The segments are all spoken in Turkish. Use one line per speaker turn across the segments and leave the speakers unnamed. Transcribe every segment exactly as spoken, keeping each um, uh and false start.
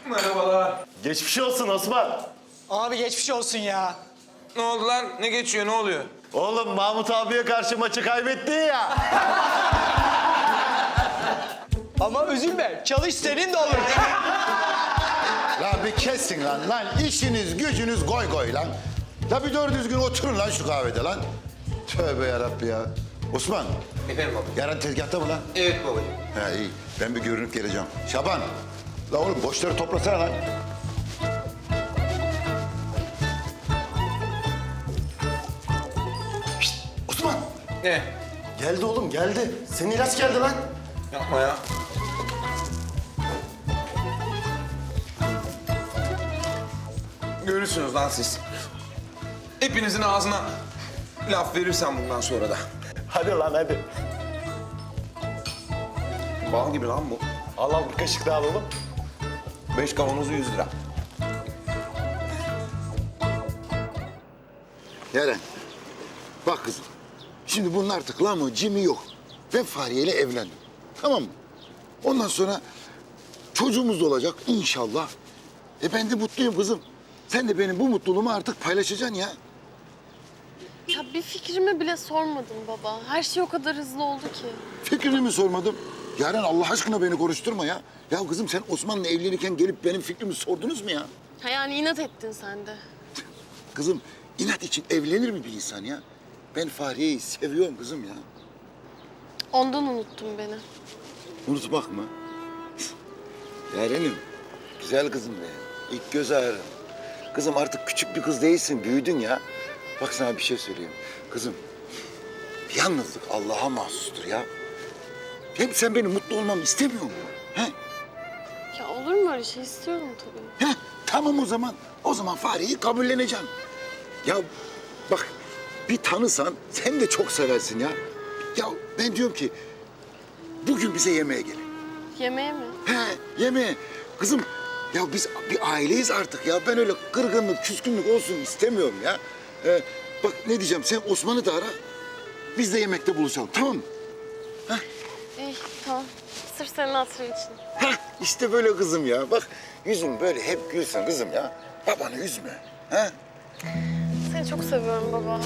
Merhabalar.
Geçmiş olsun Osman.
Abi geçmiş olsun ya.
Ne oldu lan? Ne geçiyor? Ne oluyor?
Oğlum Mahmut abiye karşı maçı kaybettin ya.
Ama üzülme, çalış senin de olur.
Lan bir kessin lan. Lan işiniz gücünüz goy goy lan. La bir doğru düzgün oturun lan şu kahvede lan. Tövbe yarabbi ya. Osman,
Efendim baba.
yarın tezgahta mı lan?
Evet babacığım.
Ha iyi. Ben bir görünüp geleceğim. Şaban. La oğlum boşları toplasana lan. Şişt, Osman.
Ne?
Geldi oğlum geldi. Senin ilaç geldi lan.
Yapma ya. Görürsünüz lan siz. Hepinizin ağzına laf verirsem bundan sonra da.
Hadi lan hadi.
Bal gibi lan bu.
Al al bir kaşık daha alalım.
Beş kavanozu yüz lira.
Yaren. Bak kızım. Şimdi bunun artık lan mı cimi yok. Ben Fahriye ile evlendim. Tamam mı? Ondan sonra çocuğumuz da olacak inşallah. E ben de mutluyum kızım. Sen de benim bu mutluluğumu artık paylaşacaksın ya.
Ya bir fikrimi bile sormadın baba. Her şey o kadar hızlı oldu ki.
Fikrini mi sormadım? Yaren Allah aşkına beni konuşturma ya. Ya kızım sen Osman'la evlenirken gelip benim fikrimi sordunuz mu ya?
Ha yani inat ettin sen de.
Kızım inat için evlenir mi bir insan ya? Ben Fahriye'yi seviyorum kızım ya.
Ondan unuttun beni.
Unutmak mı? Yarenim, güzel kızım be. İlk göz ağrım. Kızım artık küçük bir kız değilsin, büyüdün ya. Bak sana bir şey söyleyeyim. Kızım, yalnızlık Allah'a mahsustur ya. Hem sen benim mutlu olmamı istemiyor musun? He?
Ya olur mu öyle şey? İstiyorum tabii.
Heh, tamam o zaman. O zaman Fahriye'yi kabulleneceğim. Ya bak, bir tanısan sen de çok seversin ya. Ya ben diyorum ki, bugün bize yemeğe gelin.
Yemeğe mi?
He, yemeğe. Kızım, ya biz bir aileyiz artık ya. Ben öyle kırgınlık, küskünlük olsun istemiyorum ya. Ee, bak ne diyeceğim, sen Osman'ı da ara. Biz de yemekte buluşalım, tamam mı?
İyi tamam. Sırf senin hatırın için.
Heh, işte böyle kızım ya. Bak yüzün böyle hep gülsün kızım ya. Babanı üzme. Ha?
Seni çok seviyorum baba.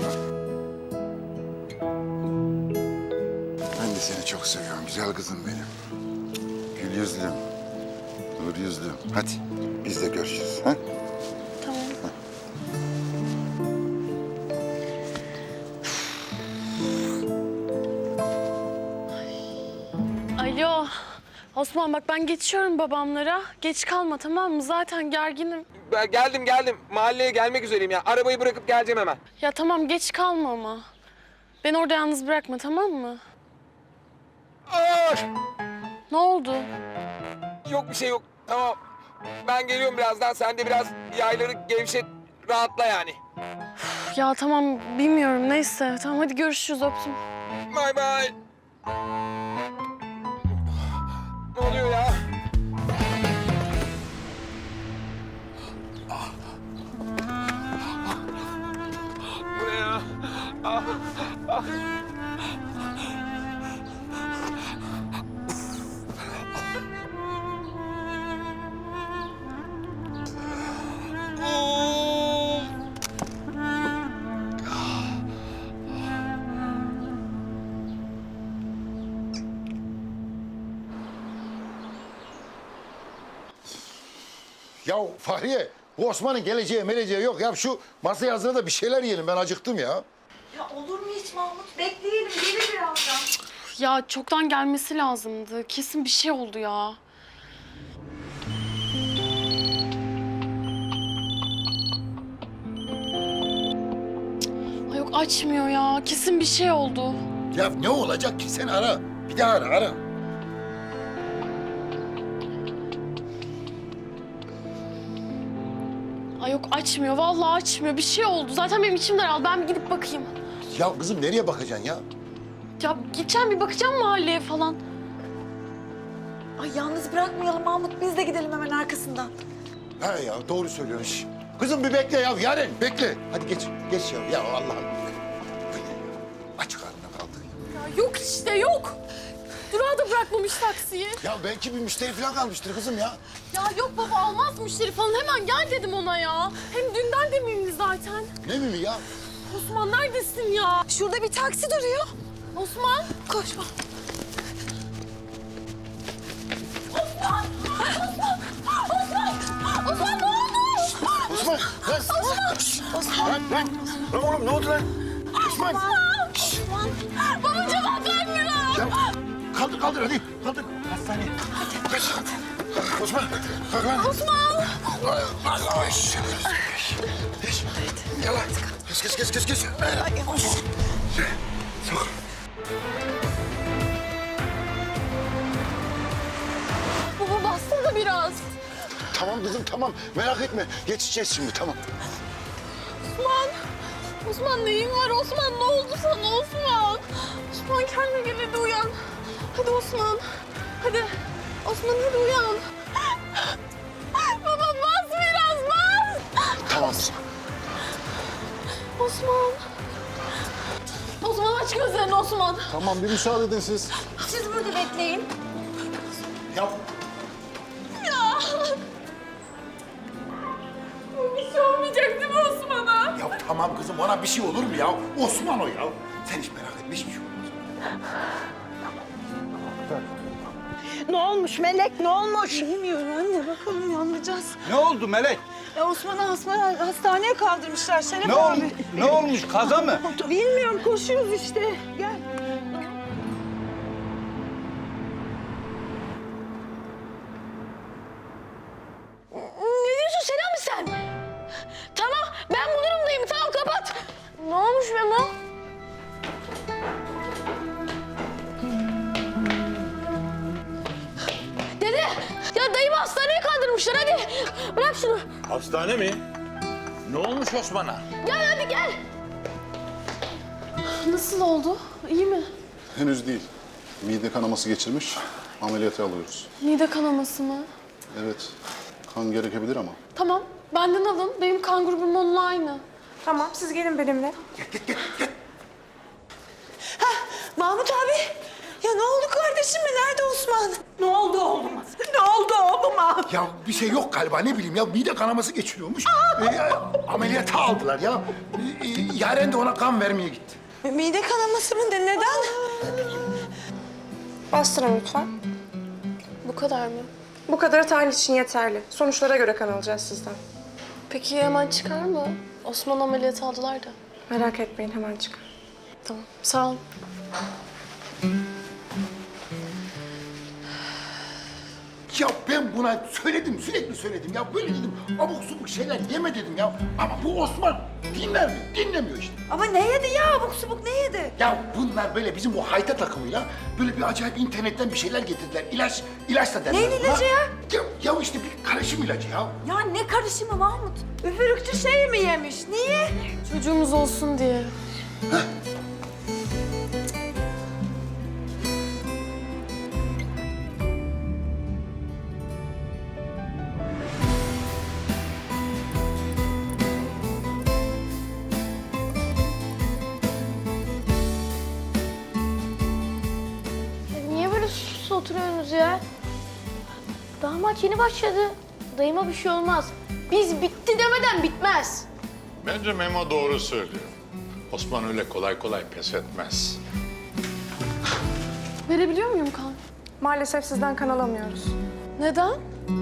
Ben de seni çok seviyorum güzel kızım benim. Gül yüzlüm, nur yüzlüm. Hadi biz de görüşürüz. Ha?
Tamam. Alo. Osman bak ben geçiyorum babamlara. Geç kalma tamam mı? Zaten gerginim.
Ben geldim geldim. Mahalleye gelmek üzereyim ya. Arabayı bırakıp geleceğim hemen.
Ya tamam geç kalma ama. Beni orada yalnız bırakma tamam mı?
Aa!
Ne oldu?
Yok bir şey yok. Tamam. Ben geliyorum birazdan. Sen de biraz yayları gevşet, rahatla yani.
Ya tamam bilmiyorum neyse. Tamam hadi görüşürüz öptüm.
Bay bay. Ne oluyor ya? Bu ne ya? Ah, ah. Of!
Ya Fahriye, bu Osman'ın geleceği meleceği yok. Ya şu masaya hazırla da bir şeyler yiyelim. Ben acıktım ya.
Ya olur mu hiç Mahmut? Bekleyelim, gelir birazdan.
Ya çoktan gelmesi lazımdı. Kesin bir şey oldu ya. Ay yok açmıyor ya. Kesin bir şey oldu.
Ya ne olacak ki? Sen ara. Bir daha ara, ara.
Ay yok açmıyor. Vallahi açmıyor. Bir şey oldu. Zaten benim içim daraldı. Ben bir gidip bakayım.
Ya kızım nereye bakacaksın ya?
Ya gideceğim bir bakacağım mahalleye falan.
Ay yalnız bırakmayalım Mahmut. Biz de gidelim hemen arkasından.
He ya doğru söylüyorsun. Şş. Kızım bir bekle ya. Yaren bekle. Hadi geç. Geç ya. Ya Allah'ım. Aç karnına kaldı.
Ya yok işte yok. Durağa da bırakmamış taksiyi.
Ya belki bir müşteri falan kalmıştır kızım ya.
Ya yok baba almaz müşteri falan. Hemen gel dedim ona ya. Hem dünden de miyimdi zaten.
Ne mi ya?
Osman neredesin ya?
Şurada bir taksi duruyor.
Osman.
Koşma.
Osman ne oldu?
Osman! Lan! Osman! Lan, lan! Lan oğlum ne oldu lan? Osman!
Osman. Babacığım bak kalkmıyor.
Ya kaldır kaldır hadi. Kaldır. Hastaneye. Kaç. Osman! Kalk lan.
Osman.
Ay, ay, ay. Geç. Gel lan. Geç geç geç geç. geç. Sok.
Baba bassana biraz.
Tamam kızım tamam. Merak etme. Geçeceğiz şimdi tamam.
Osman. Osman neyin var Osman? Ne oldu sana Osman? Osman kendine gel hadi uyan. Hadi Osman. Hadi. Osman hadi uyan. Baba bas biraz bas.
Tamam kızım.
Osman. Osman aç gözlerini Osman.
Tamam bir müsaade edin siz.
Siz burada bekleyin.
Ya
Ya. Bir şey olmayacak değil mi Osman'a?
Ya tamam kızım ona bir şey olur mu ya? Osman o ya. Sen hiç merak etme hiçbir şey olmaz.
Ne olmuş Melek, ne olmuş? Bilmiyorum anne, bakalım yanlayacağız.
Ne oldu Melek?
Ya Osman'ı hasma- hastaneye kaldırmışlar Şeref
Ne,
abi.
ol, ne olmuş? Kaza mı?
Bilmiyorum, koşuyoruz işte. Gel.
Ne diyorsun Selam sen? Tamam ben bu durumdayım tamam kapat. Ne olmuş Memo? Dede ya dayımı hastaneye kaldırmışlar hadi. Bırak şunu.
Hastane mi? Ne olmuş Osman'a?
Gel hadi gel. Nasıl oldu? İyi mi?
Henüz değil. Mide kanaması geçirmiş. Ameliyata alıyoruz.
Mide kanaması mı?
Evet. Kan gerekebilir ama.
Tamam benden alın. Benim kan grubum onunla aynı.
Tamam, siz gelin benimle.
Mahmut abi. Ya ne oldu kardeşim mi? Nerede Osman? Ne oldu oğluma? Ne oldu oğluma?
Ya bir şey yok galiba ne bileyim ya mide kanaması geçiriyormuş. Ee, ameliyata aldılar ya. Ee, Yaren de ona kan vermeye gitti.
Mide kanaması mı? De neden?
Bastırın lütfen.
Bu kadar mı?
Bu kadarı tahlil için yeterli. Sonuçlara göre kan alacağız sizden.
Peki hemen çıkar mı? Osman ameliyatı aldılar da.
Merak etmeyin, hemen çıkar.
Tamam sağ ol.
Ya ben buna söyledim, sürekli söyledim ya. Böyle dedim, abuk subuk şeyler yeme dedim ya. Ama bu Osman dinler mi? Dinlemiyor işte.
Ama ne yedi ya? Abuk subuk ne yedi?
Ya bunlar böyle bizim bu hayta takımıyla böyle bir acayip internetten bir şeyler getirdiler. İlaç, ilaç da derler.
Neyin
buna.
ilacı ya?
Ya, ya işte bir karışım ilacı ya.
Ya ne karışımı Mahmut? Üfürükçü şey mi yemiş? Niye?
Çocuğumuz olsun diye.
Niye böyle susuz oturuyorsunuz ya? Daha maç yeni başladı. Dayıma bir şey olmaz. Biz bitti demeden bitmez.
Bence Memo doğru söylüyor. Osman öyle kolay kolay pes etmez.
Verebiliyor muyum kan?
Maalesef sizden kan alamıyoruz.
Neden?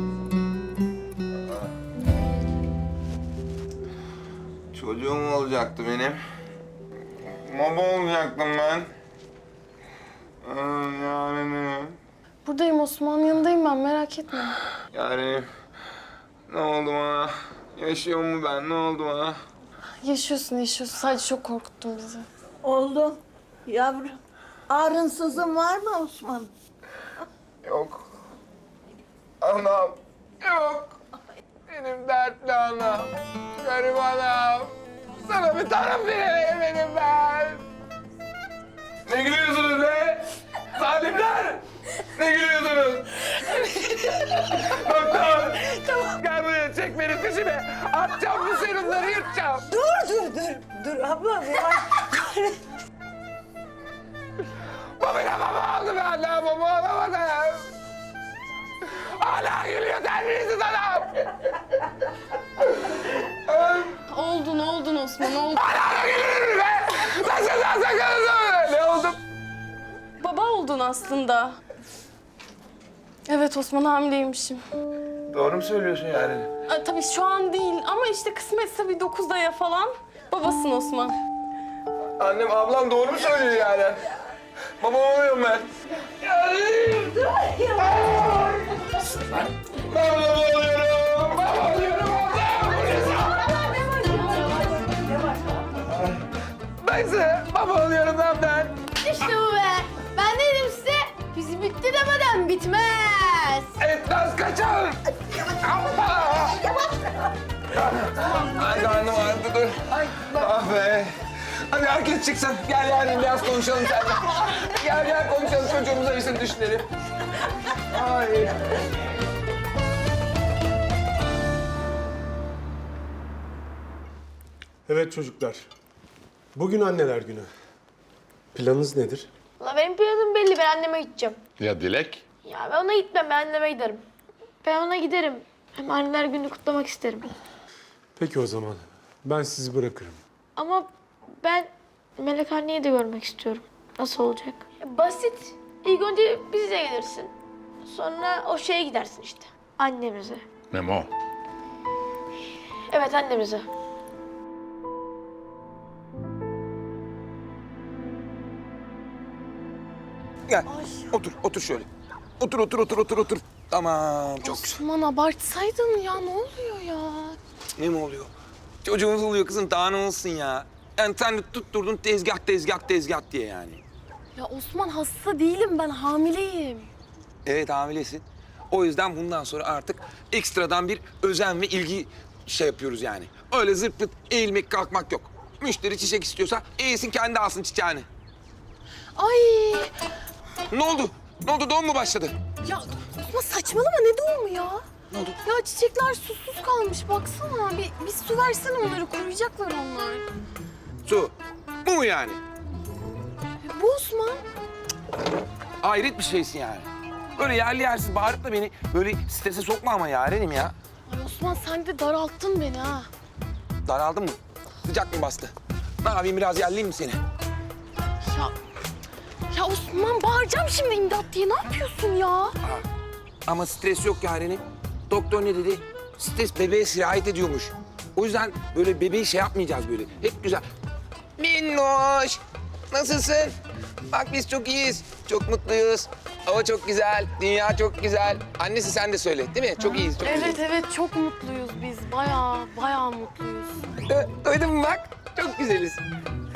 Çocuğum olacaktı benim. Baba olacaktım ben. Ee, Yani
Buradayım Osman yanındayım ben merak etme.
yani ne oldu bana? Yaşıyor mu ben? Ne oldu bana?
Yaşıyorsun yaşıyorsun sadece çok korkuttun bizi.
Oldu. Yavrum. Ağrınsızın var mı Osman?
Yok. Anam. Yok. Benim dertli anam. Garip anam. Sana bir taraf veremedim ben. Ne gülüyorsunuz be? Zalimler! Ne gülüyorsunuz? Doktor! Tamam. Gel buraya çek beni peşime. Atacağım bu serumları yırtacağım.
Dur dur dur. Dur ablam ya.
Bu bile baba oldu be annem. Baba olamadı. Hala gülüyor terbiyesiz adam.
Oldun oldun Osman oldun.
Hala gülüyor be. Nasıl lan sakın? Ne oldum?
Baba oldun aslında. Evet Osman hamileymişim.
Doğru mu söylüyorsun yani?
Aa, tabii şu an değil ama işte kısmetse bir dokuz aya falan babasın Osman.
Annem, ablam doğru mu söylüyor yani? Baba oluyorum ben. Ben baba oluyorum. Baba oluyorum ablam. Neyse, baba oluyorum lan ben.
İşte bu be. Ben ne dedim size? Biz bitti demeden bitmez.
Etmez kaçar. Ay karnım ağrıdı dur. Ah be. Hadi herkes çıksın. Gel yani biraz konuşalım seninle. Gel gel konuşalım çocuğumuza işini düşünelim. Ay.
Evet çocuklar. Bugün anneler günü. Planınız nedir?
La benim planım belli. Ben anneme gideceğim.
Ya Dilek?
Ya ben ona gitmem. Ben anneme giderim. Ben ona giderim. Hem anneler günü kutlamak isterim.
Peki o zaman. Ben sizi bırakırım.
Ama ben Melek anneyi de görmek istiyorum. Nasıl olacak? Basit. İlk önce bize gelirsin. Sonra o şeye gidersin işte. Annemize.
Memo.
Evet annemize.
Gel. Otur, otur şöyle. Otur, otur, otur, otur, otur. Tamam, çok güzel.
Osman abartsaydın ya ne oluyor ya?
Ne mi oluyor? Çocuğumuz oluyor kızım, daha ne olsun ya? Yani sen de tutturdun tezgah, tezgah, tezgah diye yani.
Ya Osman hasta değilim ben hamileyim.
Evet, hamilesin. O yüzden bundan sonra artık ekstradan bir özen ve ilgi şey yapıyoruz yani. Öyle zırt pırt eğilmek, kalkmak yok. Müşteri çiçek istiyorsa eğilsin, kendi alsın çiçeğini.
Ay
Ne oldu? Ne oldu? Doğum mu başladı?
ya Osman saçmalama ne doğumu ya?
Ne oldu?
Ya çiçekler susuz kalmış baksana. Bir, bir su versene onları kuruyacaklar onlar.
Su. Bu mu yani?
E, bu Osman.
Hayret bir şeysin yani. Böyle yerli yersiz bağırıp da beni böyle strese sokma ama yarenim ya.
Ay Osman sen de daralttın beni ha.
Daraldın mı? Sıcak mı bastı? Ne yapayım, biraz yerleyeyim mi seni?
Ya, ya Osman bağıracağım şimdi imdat diye ne yapıyorsun ya?
Ama stres yok yarenim. Doktor ne dedi? Stres bebeğe sirayet ediyormuş. O yüzden böyle bebeği şey yapmayacağız böyle. Hep güzel. Minnoş, nasılsın? Bak biz çok iyiyiz, çok mutluyuz. Hava çok güzel, dünya çok güzel. Annesi sen de söyle, değil mi? Çok iyiyiz, çok
Evet
güzeliz.
evet çok mutluyuz biz. Bayağı bayağı mutluyuz.
Du- Duydun mu bak? Çok güzeliz.